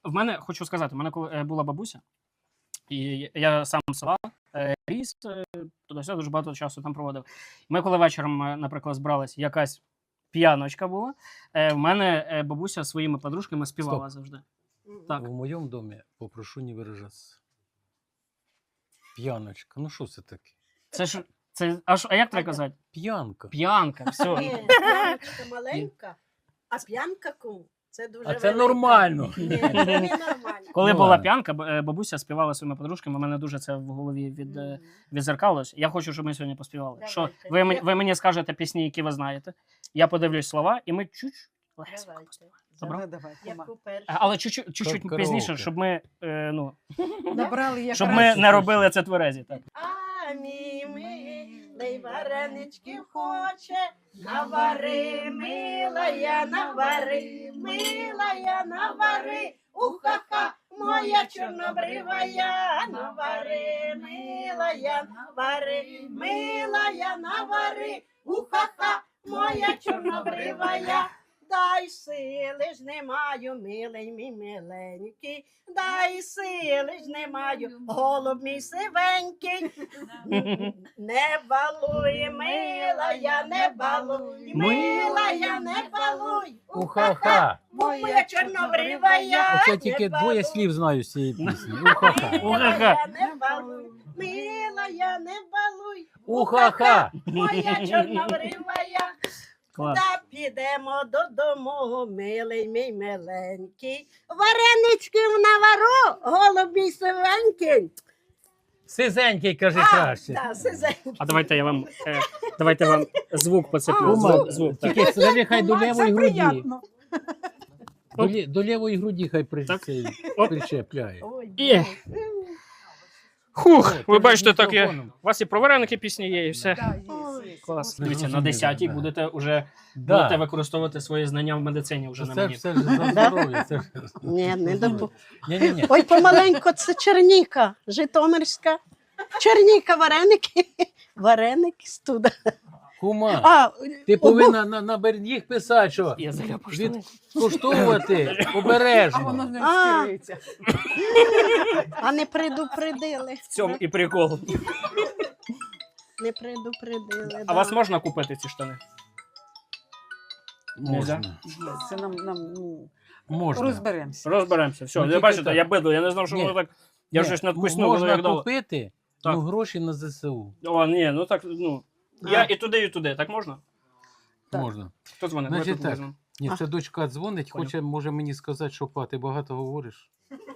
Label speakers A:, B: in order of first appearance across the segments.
A: в мене, хочу сказати, в мене коли була бабуся, і я сам з села ріс, туди-сюди дуже багато часу там проводив. Ми коли вечором, наприклад, збиралися, якась п'яночка була, в мене бабуся своїми подружками співала завжди. Так.
B: У моєму домі попрошу не виражатися. П'яночка. Ну що це таке?
A: Це ж, а як треба казати?
B: П'янка.
A: П'янка, все.
C: Ні, п'яночка маленька, а п'янка кум. Це дуже
B: А це
C: велика.
B: нормально.
C: Ні, це не нормально.
A: Коли
B: Ну,
A: була
B: ладно.
A: п'янка, бабуся співала своїми подружками, у мене дуже це в голові відзеркалось. Я хочу, щоб ми сьогодні поспівали.
C: Давайте.
A: Що ви мені скажете пісні, які ви знаєте. Я подивлюсь слова, і ми чуть-чуть легесенько
C: Давайте.
A: поспіваємо. Добре?
D: Давай,
C: Яку першу?
A: Але чуть-чуть
B: Караоке.
A: пізніше, щоб ми,
D: Набрали як
A: щоб ми не робили це тверезі. Так.
C: А мій милий вареничків хоче, навари, милая, навари, милая, навари, уха-ха, моя чорнобривая, навари, милая, навари, милая, навари, уха-ха, моя чорнобривая. Дай сили ж не маю, милий мій миленький, дай сили ж не маю, голуб мій сивенький. Не балуй, милая, не балуй, милая, не балуй,
B: Уха-ха.
C: моя чорнобривая.
B: Оце тільки двоє слів знаю з цієї пісні. Уха-ха.
C: Милая, не балуй, милая, не балуй,
B: Уха-ха.
C: моя чорнобривая.
A: Клас.
C: Та підемо додому, милий мій миленький, вареничків навару, голубі сивенький.
B: Сизенький, каже краще.
C: Да, сизенький.
A: А давайте вам звук поцеплю.
B: Кума,
A: Звук, так.
B: тільки скажи, хай до лівої
D: Це
B: груді.
D: приємно.
B: До лівої груді хай
A: Так.
B: причепляє.
C: Ой,
A: Є. Хух,
B: О,
A: ви
B: ти
A: бачите,
B: з
A: так є.
B: мікрофоном.
A: У вас і про вареники пісні є, і все.
D: Да, є.
A: Клас.
B: Не
A: Дивіться, на
B: зрозуміло,
A: 10-й
B: да.
A: будете вже
B: Да.
A: використовувати свої знання в медицині вже на
B: Це ж
A: мені.
B: все ж за здоров'я. Це ж...
C: Ні, не допу.
B: Ні-ні-ні.
C: Ой, помаленько, це Черніка, Житомирська. Черніка, вареники. Вареники студа.
B: Кума,
C: А,
B: ти повинна на їх писати, що
A: Я заляпав штани.
B: відкуштовувати
D: А воно
B: обережно.
D: не
C: А.
D: стирається.
C: а не предупредили.
A: В цьому і прикол.
C: Не предупредили.
A: А
C: да.
A: вас можна купити ці штани?
B: Можна.
D: Це нам ну,
B: Можна.
D: розберемося.
A: Розберемося. Все,
B: Ну,
A: ви
B: тільки
A: бачите,
B: так.
A: я бидло, я не знав, що
B: Ні.
A: воно так. Я
B: Ні,
A: щось надкуснув, воно
B: можна
A: як дало.
B: купити,
A: Так.
B: ну гроші на ЗСУ.
A: О, ні, ну так, ну. Я
C: А.
A: і туди, так можна?
D: Так.
B: Можна.
A: Хто дзвонить?
B: Значить
A: Давайте
B: так.
A: візьмемо.
B: Ні,
C: А.
B: це дочка дзвонить,
A: Понял.
B: хоче, може мені сказати, що па, ти багато говориш.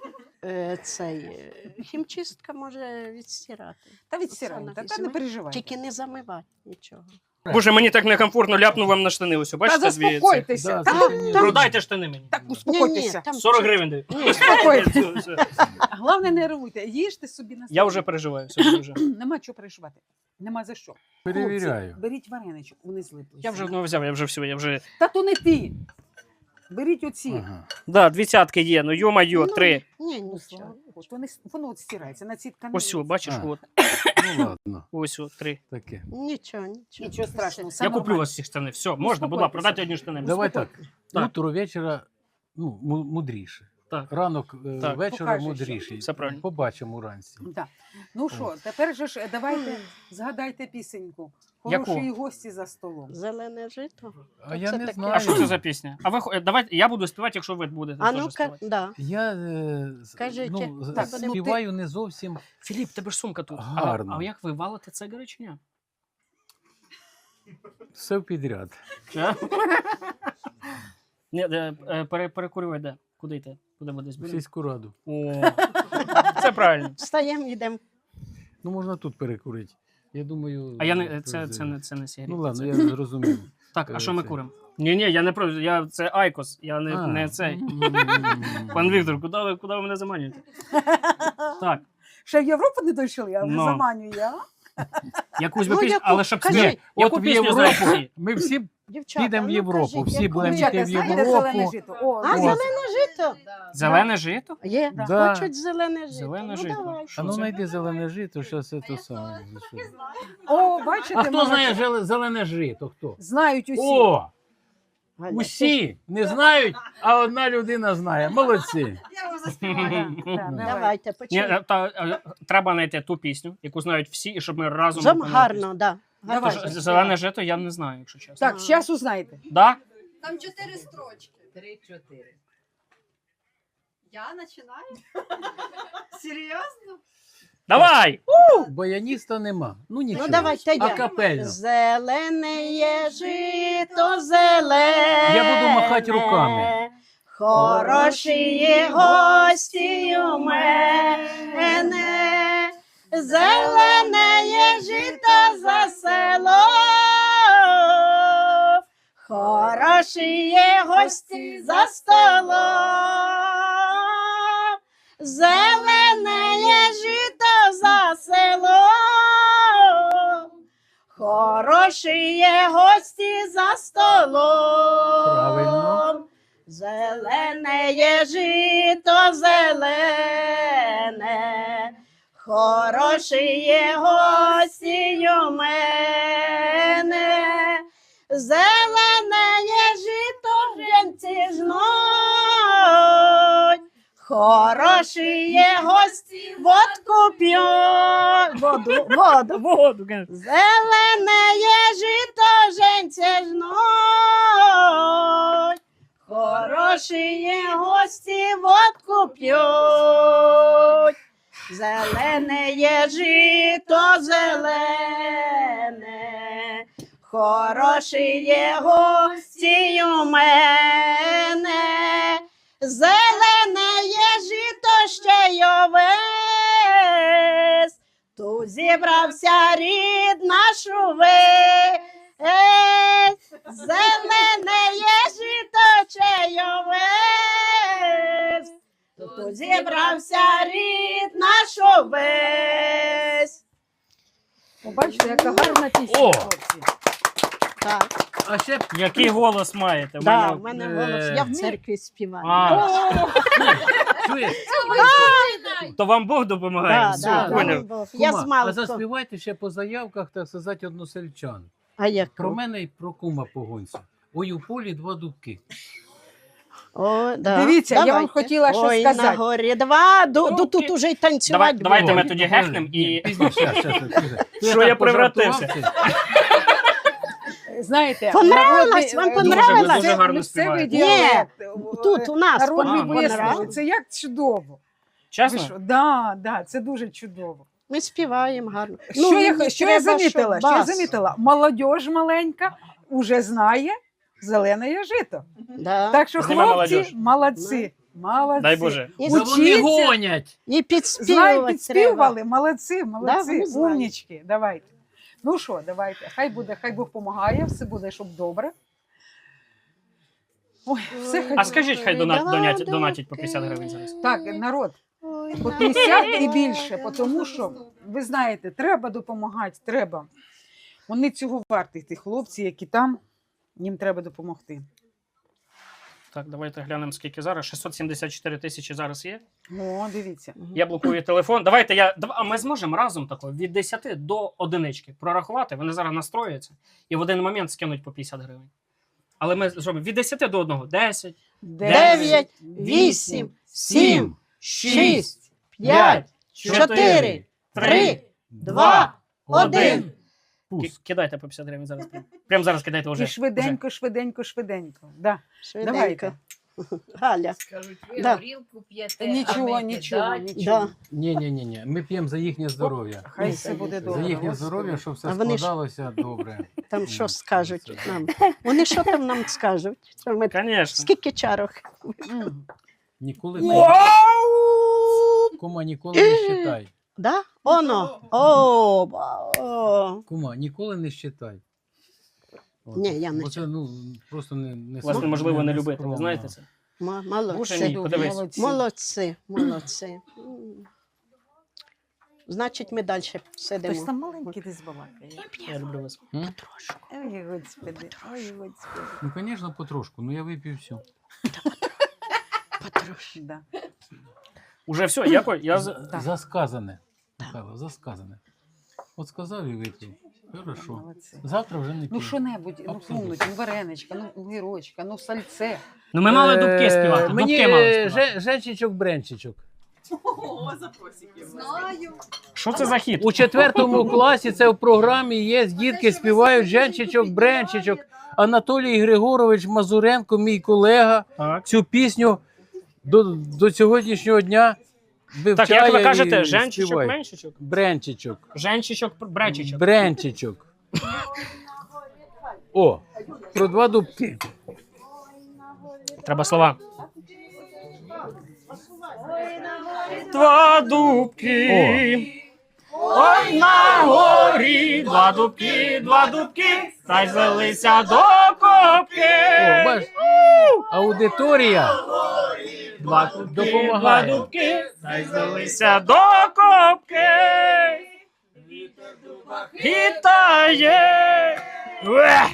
C: Хімчистка може відстирати.
D: Та відстираємо,
C: Оксана,
D: та не
C: візьми.
D: переживай.
C: Тільки не замивати нічого.
A: Боже, мені так некомфортно, ляпнув вам на штани. Ось,
D: Та
A: бачите, дві ці.
D: заспокойтеся.
B: Да,
D: Та
B: це ні.
A: Продайте штани мені.
D: Так, успокойтеся.
C: там
A: 40 гривень даю.
C: Ні,
D: Успокойтеся.
A: Все.
D: Головне, не нервуйте. Їжте собі на
A: Я вже переживаю. Все, вже.
D: Нема чого переживати. Нема за що.
B: Перевіряю.
D: Хлопці, беріть вареничок, вони злиплися.
A: Я вже одного взяв, я вже все, я вже.
D: Та то не ти. Беріть оці.
B: Ага.
A: Да, 20 є, ну йо-майо, 3.
C: Ні,
D: Ну,
C: нічого.
D: от воно от стирається на ці тканини.
A: Ось, о, бачиш,
B: А.
A: от.
B: Ну ладно,
A: Ось, 3.
B: таке.
C: Нічого.
D: Нічого страшного. все
A: Я куплю
D: нормально.
A: вас ці штани. Все, можна, будь ласка, продайте одні штани.
B: Давай так.
A: Так.
B: Утро вечора ну, мудріше.
A: Так.
B: Ранок
A: Так.
B: вечора
D: Покажеш,
B: мудріший.
A: Все правильно.
B: Побачимо уранці.
D: Да. Ну що, тепер же ж давайте згадайте пісеньку.
A: Яку?
D: Хороші гості за столом.
C: Зелене жито.
B: А я
C: Це
B: не
C: таке.
B: знаю.
A: А що це за пісня? А ви давайте, я буду співати, якщо ви будете
C: А
A: теж
C: ну-ка,
A: співати.
C: да.
B: Я
C: Кажіть,
B: ну,
C: так,
B: співаю не зовсім.
A: Філіп, тебе ж сумка тут.
B: Гарно.
A: А як ви валите це чи ні?
B: Все підряд.
A: Ні, перекурювай де? Куди йти? Куди буде
B: В
A: збір?
B: сільську раду.
A: О, це правильно.
C: Встаємо, йдемо.
B: Ну можна тут перекурити. Я думаю.
A: А я не це не сигарет.
B: Ну ладно,
A: це...
B: я зрозумів.
A: Так, а що ми
B: це-
A: куримо? Ні, я не про це Айкос, я не цей. Пан Віктор, куди ви мене заманюєте? Так,
D: Ще в Європу не дійшли, а вже
A: Ну.
D: заманюю я.
A: якусь
C: Ну,
A: би пісню,
C: яку?
A: але щоб
C: Кажи.
A: співати. Яку
B: От в
A: пісню
B: Європу.
A: знаєте?
B: Ми всі
C: Дівчата,
B: підемо в
C: ну,
B: Європу,
C: кажіть,
B: всі
C: яку
B: будемо
C: ви-
B: йти
D: Дівчата,
B: в
D: знаєте зелене
B: Європу.
D: жито? О,
C: А,
B: От.
C: зелене жито?
A: Зелене жито?
C: Є,
B: Да.
C: хочуть зелене жито.
A: Зелене
C: ну,
A: жито.
C: Давай.
B: А ну
A: це?
B: знайди зелене жито, зараз це то саме.
D: О, бачите,
B: А хто
D: молодці.
B: знає зелене жито? Хто?
D: Знають усі.
B: О!
C: Галя,
B: Усі не знають, а одна людина знає. Молодці.
D: Да, давай.
C: Давайте,
A: Ні,
C: почнемо.
A: треба знайти ту пісню, яку знають всі, і щоб ми разом...
C: Зам
A: виконали пісню.
C: гарно, да.
D: Давай.
A: Тож, зелене жито я не знаю, якщо чесно.
D: Так, зараз узнаєте.
A: Да?
E: Там 4 строчки.
F: 3-4.
E: Я починаю? Серйозно?
A: Давай!
B: Баяніста нема. Ну нічого.
C: Ну давайте я.
B: Акапельно.
C: Зелене є жито зелене.
B: Я буду махати руками.
C: Хороші є гості у мене. Зелене є жито за село. Хороші є гості за столом. Зелене є жито за село. Хороші є гості за столом.
B: Правильно.
C: Зелене є жито зелене. Хороші є гості у мене. Зелене є жито жінці жнуть. Хороші є гості, водку п'ють. Воду.
A: Воду, конечно.
C: Зелене є жито жінці жнуть. Хороші є гості, водку п'ють. Зелене є жито зелене. Хороші є гості у мене. Зелене є жито ще й овес. Тут зібрався рід наш увесь. Зелене є жито ще й овес. Тут зібрався рід наш увесь.
D: Побачите, яка гарна пісня,
A: О!
D: хлопці.
C: Так,
B: А ще б
A: Який голос маєте? В
C: да,
A: мене-
C: в мене голос. Я в церкві співаю.
B: чуєш?
A: То вам Бог допомагає?
C: Да,
A: Все,
C: да,
A: поняв.
C: да. Я
B: Кума,
C: з
B: а
C: малку.
B: заспівайте ще по заявках, так сказати, односельчан.
C: А як?
B: Про мене і про кума погонця. Ой, у полі два дубки.
C: О, да.
D: Дивіться, я вам
C: Давайте.
D: хотіла що
C: Ой, на
D: сказати.
C: горі два, тут уже й танцювати
A: Давайте
C: будемо.
A: ми тоді гехнем і...
B: Що
A: я превратився?
D: Знаєте,
C: Понравилось? Вам понравилось?
A: Дуже гарно
D: місцевий
A: співаєте.
D: діалект.
C: Тут у нас
D: Народний
A: А,
D: вислів.
C: понравилось.
D: Це як чудово. Ви
A: Чесно?
D: що? Да, це дуже чудово.
C: Ми співаємо гарно.
D: Що я
C: мені
D: що я
C: треба,
D: замітила?
C: щоб
D: Що я
C: бас.
D: замітила? Молодь маленька вже знає зелене є жито.
C: Да.
D: Так що
A: Зніма
D: хлопці
A: молодіж.
D: молодці. Молодці.
A: Дай Боже.
C: І,
B: Та вони
D: Учіться.
B: гонять.
C: і
D: Знаю,
C: підспівувати треба.
D: підспівали, молодці,
C: Да,
D: молодці,
C: вони знають.
D: умнічки. Давайте. Ну що, давайте. Хай Бог допомагає, все буде, щоб добре. Ой, все хай
A: А
D: буде.
A: скажіть, хай донатять по 50 гривень зараз.
D: Так, народ,
C: Ой,
D: по
C: на
D: 50 і
C: горі.
D: більше, тому що, ви знаєте, треба допомагати, треба. Вони цього варті, ті хлопці, які там, їм треба допомогти.
A: Так, давайте глянемо, скільки зараз. 674 тисячі зараз є.
D: О, дивіться.
A: Я блокую телефон. А ми зможемо разом тако від 10 до одинички прорахувати. Вони зараз настроюються і в один момент скинуть по 50 гривень. Але ми зробимо від 10 до 1. 10,
C: 9, 8, 7, 6, 5, 4, 3, 2, 1.
A: Кидайте по 50 гривень зараз. Прямо зараз кидайте вже.
D: І швиденько, швиденько, швиденько. Да.
C: Швиденько.
D: Давайте.
C: Галя.
F: Скажуть, ви
C: Да.
F: горілку п'єте,
D: Нічого,
F: а ми
D: нічого,
F: кидать.
D: нічого.
C: Да.
B: Ні. Ми п'ємо за їхнє здоров'я.
D: Хай все буде
B: За
D: добре.
B: їхнє
D: Господи.
B: здоров'я, щоб все
C: А вони ж-
B: складалося добре.
C: Там що скажуть нам? Вони що там нам скажуть? Що ми...
A: Звісно.
C: Скільки чарок?
D: М.
B: Ніколи кума, ніколи не щитай.
C: Да? Оно. О,
B: Кума, ніколи не щитай. От.
C: Ні, я не
B: Бо це, ну, просто не
A: Вас неможливо не любити, ви
B: скромно.
A: знаєте це? Боже
C: молодці.
A: мій, подивись.
D: Молодці.
C: Молодці, молодці. Значить, ми далі
D: Хтось
C: сидимо.
D: там маленький десь балакає.
A: Я люблю вас.
B: М?
D: Ой, господи, ой, господи.
B: Ну, звісно, потрошку, ну я вип'ю все.
C: Потрошки.
D: Да.
A: Уже все, я
D: Так.
B: Засказане. Михайло, засказане. От сказав і випив. Хорошо.
D: Молодці.
B: Завтра вже не
D: Ну
B: піду.
D: що-небудь, ну
B: Абсолютно.
D: сунуть, ну вареничка, ну гірочка, ну сальце.
A: Ну ми мали дубки співати.
B: Мені
A: Дубки мали співати.
B: женчичок-бренчичок.
E: Знаю.
A: Що це за хід?
B: У 4 класі це в програмі є, дітки співають женчичок-бренчичок. Анатолій Григорович Мазуренко, мій колега,
A: Так.
B: цю пісню до сьогоднішнього дня вивчає.
A: Так, як ви
B: і
A: кажете, женчичок,
B: співає.
A: меншичок?
B: Бренчичок.
A: Женчичок, бречичок.
B: Бренчичок. О, про 2 дубки.
A: Треба слова. Два дубки. Ой, на горі, два дубки, та й злилися до копки.
B: О, бач, аудиторія
A: Два дубки,
B: допомагає.
A: два дубки, та й злилися до копки. Хитає. Уе!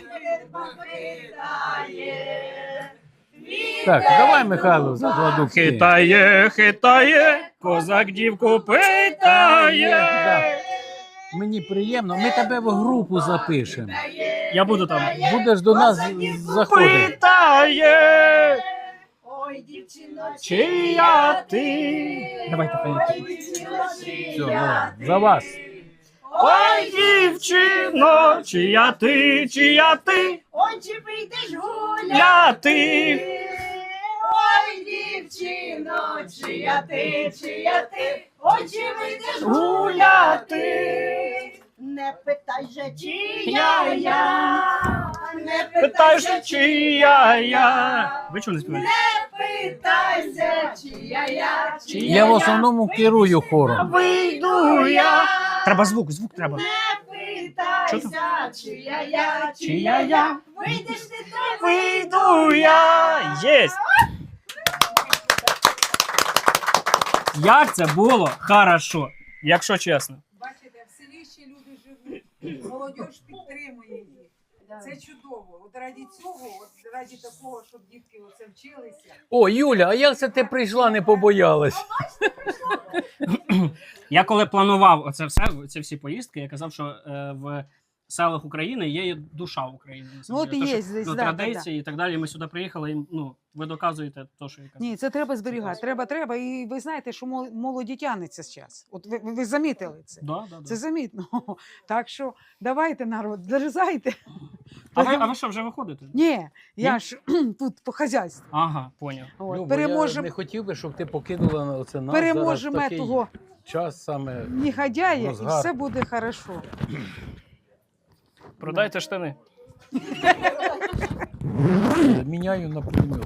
B: Так, давай, Михайло, за 2 дубки.
A: Хитає, хитає, козак дівку питає.
B: Да. Мені приємно, ми тебе в групу запишемо.
A: Я буду там.
B: Будеш до нас заходити.
A: Питає,
E: Ой, дівчино,
A: чия ти? Давайте поїдемо.
B: Все, давай, за вас.
A: Ой, дівчино, чия ти, чия ти?
E: ой, чи прийдеш гуляти?
A: Ляти.
E: Ой, дівчино, чия ти, ой, чи вийдеш
A: Гуляти.
E: Не питай же, чия я, не
A: Питай же, чия я. Ви чого не співаєте?
E: питайся, чия я,
B: Я в основному керую хором.
A: Вийду я. Треба звук треба.
E: не
A: Що там?
E: питайся, чия я,
A: Чия я?
E: вийдеш ти той,
A: Вийду я. Єсть. Як це було хорошо, якщо чесно.
F: Бачите, в селі ще люди живуть, молодь підтримує їх. Це чудово. От раді цього, от раді такого, щоб дітки оце вчилися.
B: О, Юля, а як це ти прийшла, не побоялась?
A: Я коли планував оце все, ці всі поїздки, я казав, що в селах України є душа України. на самом
D: Ну, от
A: деле.
D: і
A: То,
D: є
A: що,
D: здесь,
A: ну,
D: да,
A: традиції і так далі. Ми сюди приїхали, і ну, ви доказуєте те, що я казав.
D: Ні, це треба зберігати. Треба. І ви знаєте, що молоді тягнеться зараз. От ви замітили це.
A: Да.
D: Це замітно. Так що давайте, народ, дерзайте.
A: А ви що, вже виходите?
D: Ні, я ж тут по хазяйству.
A: Ага, поняв.
D: От,
B: Любо, я не
D: переможемо
B: хотів би, щоб ти покинула на оце нас.
D: переможемо
B: зараз такий
D: того
B: час саме.
D: негодяя, і
B: розгар.
D: все буде хорошо.
A: Продайте штани.
B: Міняю на пулемет.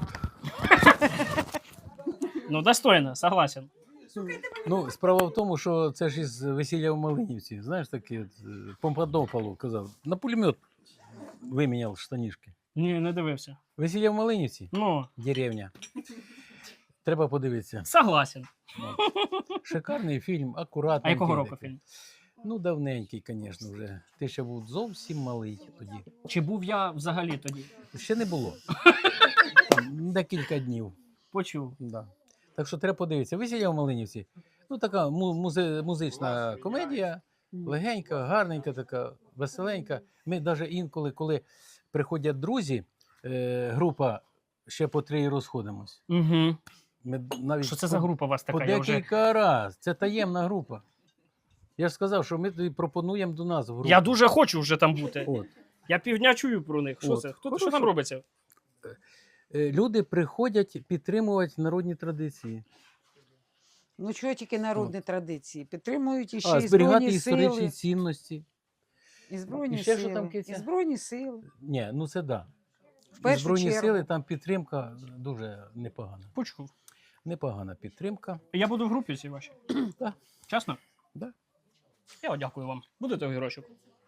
A: Ну, достойно, согласен.
B: Ну, справа в тому, що це ж із весілля в Малинівці. Знаєш, таке от, Помпадополу казав. На пулемет виміняв штанішки.
A: Ні, не дивився.
B: Весілля в Малинівці?
A: Ну,
B: Деревня. Треба подивитися.
A: согласен.
B: Шикарний фільм,
A: А
B: акуратний.
A: якого року фільм?
B: Ну, давненький, звісно, вже. Ти ще був зовсім малий тоді.
A: Чи був я взагалі тоді?
B: Ще не було. Там декілька днів.
A: Почув.
B: Да. Так що треба подивитися. Весілля в Малинівці. Ну, така музична комедія, легенька, гарненька, така, веселенька. Ми навіть інколи, коли приходять друзі, група ще по 3 і розходимось.
A: Угу.
B: Ми навіть
A: Що це за група у вас
B: по
A: така? Я вже...
B: декілька разів. Це таємна група. Я ж сказав, що ми тобі пропонуємо до нас в групу.
A: Я дуже хочу вже там бути.
B: От.
A: Я півдня чую про них. Що
B: От.
A: це? Що
B: Хорошо.
A: там робиться?
B: Люди приходять підтримувати народні традиції.
D: Ну чого тільки народні традиції? Підтримують іще
B: А,
D: і
B: зберігати
D: Збройні
B: історичні
D: сили.
B: цінності.
D: І Збройні
B: І ще що
D: сили.
B: там, Киця?
D: І Збройні сили.
B: Ні, ну це да.
D: В першу
B: Збройні
D: чергу.
B: сили, там підтримка дуже непогана.
A: Почув.
B: Непогана підтримка.
A: Я буду в групі цій вашій.
B: Да.
A: Чесно?
B: Да.
A: Я дякую вам. Будете огірочок?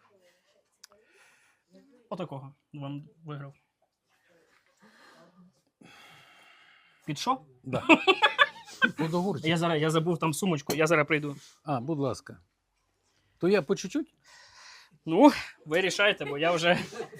A: Отакого вам виграв. Під що?
B: Да. Подогурчик.
A: Я забув там сумочку, я зараз прийду.
B: А, будь ласка. То я по чуть-чуть?
A: Ну, ви рішайте, бо я вже.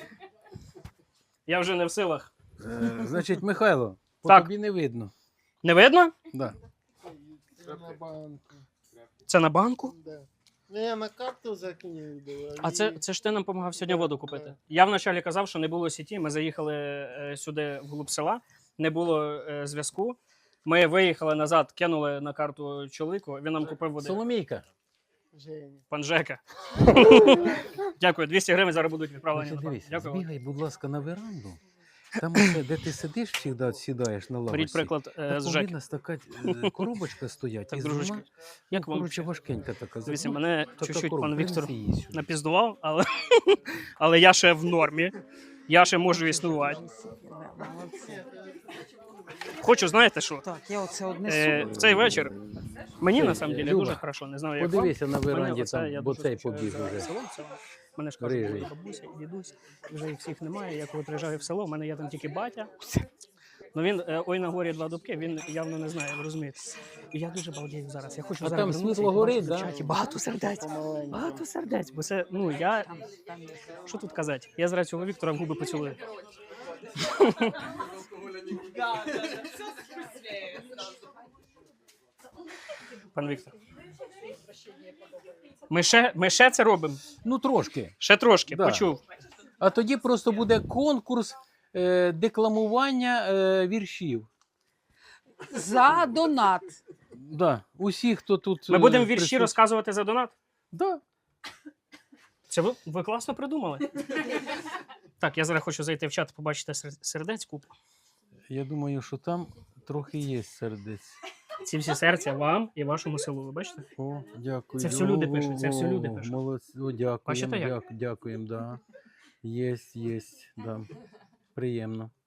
A: Я вже не в силах.
B: Значить, Михайло, по
A: Так.
B: тобі не видно.
A: Не видно?
B: Да.
A: Це на банку?
G: Не, на карту закинь.
A: А це ж ти нам допомагав сьогодні воду купити. Я вначалі казав, що не було сіті. Ми заїхали сюди в глуб села, не було зв'язку. Ми виїхали назад, кинули на карту чоловіку, він нам купив води.
B: Соломійка.
A: Пан Жека. Дякую, 200 гривень зараз будуть відправлені.
B: Значить,
A: на
B: дивись,
A: Дякую.
B: збігай, будь ласка, на веранду. Там, оце, де ти сидиш, завжди сідаєш на лавочці.
A: Беріть приклад
B: Так
A: з Жеки.
B: повинна така коробочка стоять.
A: Так,
B: і
A: дружечки,
B: вона,
A: як вам
B: коротше,
A: взагалі?
B: важкенька така.
A: Дивіться,
B: Ну,
A: мене
B: така
A: чуть-чуть
B: коробка,
A: пан Віктор
B: принеси її сюди.
A: напіздував, але я ще в нормі. Я ще можу існувати. Хочу, знаєте що?
D: Так, я оце однесу.
A: В цей вечір мені
B: Це,
A: на самом деле
B: Люба,
A: дуже хорошо. Не знаю, як вам.
B: Подивися на
A: Мене
B: веранді,
A: оце, я
B: там, бо
A: дуже
B: цей
A: скучаю
B: побіг
A: за
B: уже.
A: селом цілим. Мене ж кажуть,
B: Рижий.
A: були бабуся і дідусь, вже їх всіх немає. Я коли приїжджаю в село, в мене є там тільки батя. Ну він ой на горі два дубки, він явно не знає, ви розумієте. І я дуже балдію зараз. Я хочу
B: А
A: зараз
B: там
A: вернутися
B: світло
A: і побачити
B: горить,
A: в
B: да?
A: чаті багато сердець. Багато сердець. Бо це, ну я. Що тут казати? Я зараз цього Віктора в губи поцілую. Пан Віктор. Ми ще це робимо.
B: Ну, трошки.
A: Ще трошки,
B: Да.
A: почув.
B: А тоді просто буде конкурс декламування віршів.
D: За донат.
B: Да. Усі, хто тут.
A: Ми будемо вірші
B: присутні.
A: розказувати за донат.
B: Да.
A: Це ви класно придумали. Так, я зараз хочу зайти в чат, побачити сердець купу.
B: Я думаю, що там трохи є сердець.
A: Ці всі серця вам і вашому селу, ви бачите?
B: О, дякую.
A: Це все люди пишуть, це все люди
B: О,
A: пишуть.
B: Молодці, о, дякуємо,
A: Бачите, як?
B: дякуємо, да. Є, да. Приємно.